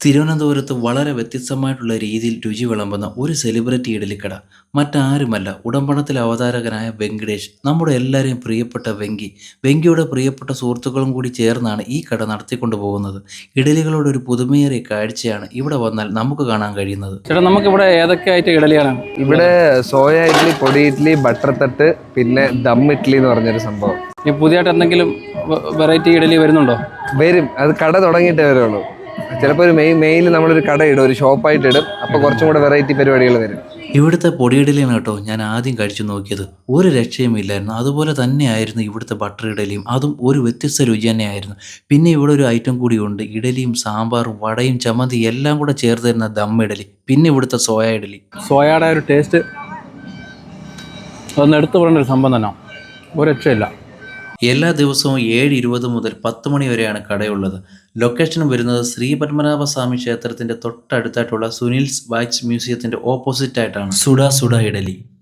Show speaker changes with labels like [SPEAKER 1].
[SPEAKER 1] തിരുവനന്തപുരത്ത് വളരെ വ്യത്യസ്തമായിട്ടുള്ള രീതിയിൽ രുചി വിളമ്പുന്ന ഒരു സെലിബ്രിറ്റി ഇഡലിക്കട മറ്റാരുമല്ല, ഉടമ്പണത്തിലെ അവതാരകനായ വെങ്കടേഷ്. നമ്മുടെ എല്ലാവരെയും പ്രിയപ്പെട്ട വെങ്കിയുടെ പ്രിയപ്പെട്ട സുഹൃത്തുക്കളും കൂടി ചേർന്നാണ് ഈ കട നടത്തിക്കൊണ്ടു പോകുന്നത്. ഇഡലികളുടെ ഒരു പുതുമയേറിയ കാഴ്ചയാണ് ഇവിടെ വന്നാൽ നമുക്ക് കാണാൻ കഴിയുന്നത്.
[SPEAKER 2] ചേട്ടാ, നമുക്കിവിടെ ഏതൊക്കെ ആയിട്ട് ഇഡലിയാണ്?
[SPEAKER 3] ഇവിടെ സോയ ഇഡ്ഡലി, പൊടി ഇഡ്ഡലി, ബട്ടർ തട്ട്, പിന്നെ ദം ഇഡ്ഡലി എന്ന് പറഞ്ഞൊരു സംഭവം.
[SPEAKER 2] ഈ പുതിയതായിട്ട് എന്തെങ്കിലും വെറൈറ്റി ഇഡലി വരുന്നുണ്ടോ?
[SPEAKER 3] വരും, അത് കട തുടങ്ങിയിട്ടേ വരുള്ളൂ. ചിലപ്പോൾ ഒരു മെയിനിൽ നമ്മളൊരു കട ഇടും, ഒരു ഷോപ്പായിട്ട് ഇടും. അപ്പോൾ കുറച്ചും കൂടെ വെറൈറ്റി പരിപാടികൾ വരും.
[SPEAKER 1] ഇവിടുത്തെ പൊടിയിഡലിയാണ് കേട്ടോ ഞാൻ ആദ്യം കഴിച്ചു നോക്കിയത്. ഒരു രക്ഷയും ഇല്ലായിരുന്നു. അതുപോലെ തന്നെയായിരുന്നു ഇവിടുത്തെ ബട്ടർ ഇഡലിയും. അതും ഒരു വ്യത്യസ്ത രുചി തന്നെയായിരുന്നു. പിന്നെ ഇവിടെ ഒരു ഐറ്റം കൂടിയുണ്ട്. ഇഡലിയും സാമ്പാറും വടയും ചമ്മന്തി എല്ലാം കൂടെ ചേർത്ത് തരുന്ന ദം ഇഡലി. പിന്നെ ഇവിടുത്തെ സോയ ഇഡലി.
[SPEAKER 2] സോയയുടെ ഒരു ടേസ്റ്റ് അതൊന്ന് എടുത്തു പറയേണ്ട ഒരു സംഭവം തന്നെ, ഒരു രക്ഷയില്ല.
[SPEAKER 1] എല്ലാ ദിവസവും 7:20 മുതൽ 10 മണി വരെയാണ് കടയുള്ളത്. ലൊക്കേഷൻ വരുന്നത് ശ്രീ പത്മനാഭസ്വാമി ക്ഷേത്രത്തിൻ്റെ തൊട്ടടുത്തായിട്ടുള്ള സുനിൽസ് വാക്സ് മ്യൂസിയത്തിൻ്റെ ഓപ്പോസിറ്റ് ആയിട്ടാണ്. സുഡ സുഡ ഇഡലി.